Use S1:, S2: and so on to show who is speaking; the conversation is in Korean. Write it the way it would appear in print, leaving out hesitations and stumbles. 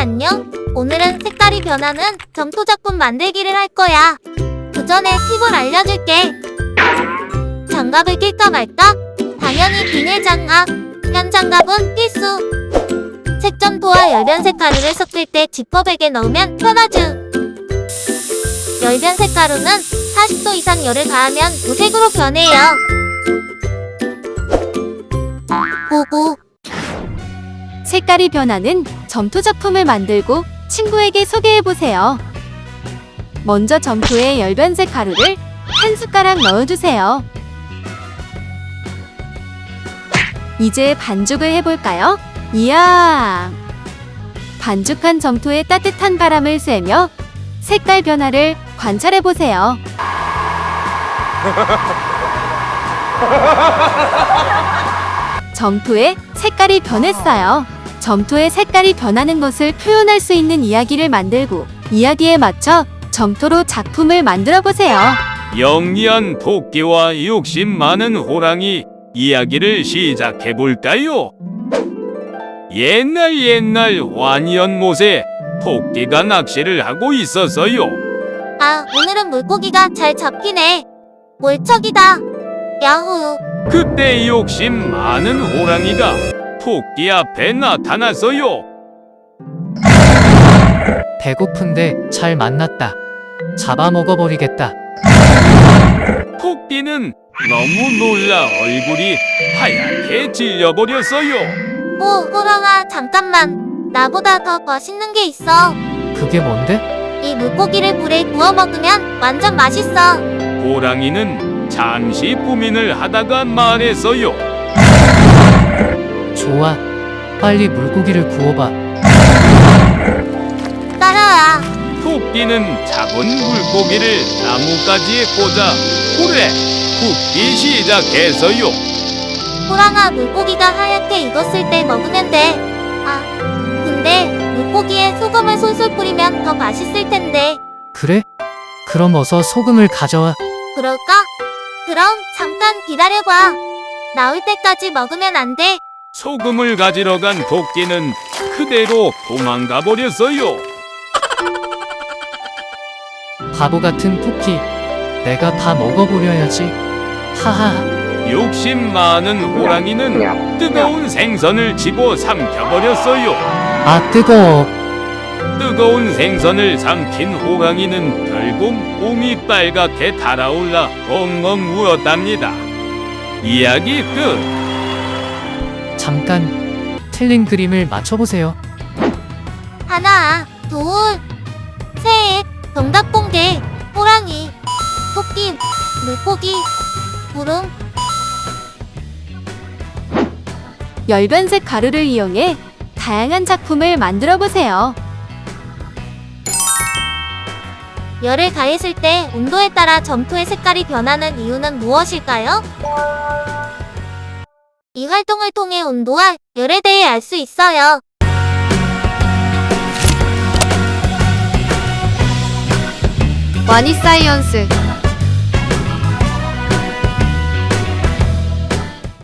S1: 안녕. 오늘은 색깔이 변하는 점토 작품 만들기를 할 거야. 그 전에 팁을 알려줄게. 장갑을 낄까 말까? 당연히 비닐 장갑. 현 장갑은 필수. 색점토와 열변색 가루를 섞을 때 지퍼백에 넣으면 편하죠. 열변색 가루는 40도 이상 열을 가하면 무색으로 변해요. 보고.
S2: 색깔이 변하는 점토 작품을 만들고 친구에게 소개해보세요. 먼저 점토에 열변색 가루를 한 숟가락 넣어주세요. 이제 반죽을 해볼까요? 이야! 반죽한 점토에 따뜻한 바람을 쐬며 색깔 변화를 관찰해보세요. 점토의 색깔이 변했어요. 점토의 색깔이 변하는 것을 표현할 수 있는 이야기를 만들고 이야기에 맞춰 점토로 작품을 만들어보세요.
S3: 영리한 토끼와 욕심 많은 호랑이 이야기를 시작해볼까요? 옛날 완연못에 토끼가 낚시를 하고 있었어요.
S1: 아, 오늘은 물고기가 잘 잡히네. 몰척이다. 야호.
S3: 그때 욕심 많은 호랑이가 토끼 앞에 나타났어요.
S4: 배고픈데 잘 만났다. 잡아먹어버리겠다.
S3: 토끼는 너무 놀라 얼굴이 하얗게 질려버렸어요.
S1: 오, 호랑아, 잠깐만. 나보다 더 맛있는 게 있어.
S4: 그게 뭔데?
S1: 이 물고기를 불에 구워 먹으면 완전 맛있어.
S3: 호랑이는 잠시 고민을 하다가 말했어요.
S4: 좋아. 빨리 물고기를 구워봐.
S1: 따라와.
S3: 토끼는 작은 물고기를 나뭇가지에 꽂아 불에 굽기 시작했어요.
S1: 호랑아, 물고기가 하얗게 익었을 때 먹으면 돼. 아, 근데 물고기에 소금을 솔솔 뿌리면 더 맛있을 텐데.
S4: 그래? 그럼 어서 소금을 가져와.
S1: 그럴까? 그럼 잠깐 기다려봐. 나올 때까지 먹으면 안 돼.
S3: 소금을 가지러 간 토끼는 그대로 도망가 버렸어요.
S4: 바보 같은 토끼. 내가 다 먹어버려야지. 하하.
S3: 욕심 많은 호랑이는 뜨거운 생선을 집어 삼켜버렸어요.
S4: 아, 뜨거워.
S3: 뜨거운 생선을 삼킨 호랑이는 결국 몸이 빨갛게 달아올라 엉엉 울었답니다. 이야기 끝.
S4: 잠깐 틀린 그림을 맞춰보세요.
S1: 하나, 둘, 셋. 정답 공개. 호랑이, 토끼, 물고기, 구름.
S2: 열변색 가루를 이용해 다양한 작품을 만들어보세요.
S1: 열을 가했을 때 온도에 따라 점토의 색깔이 변하는 이유는 무엇일까요? 이 활동을 통해 온도와 열에 대해 알 수 있어요.
S2: 와니사이언스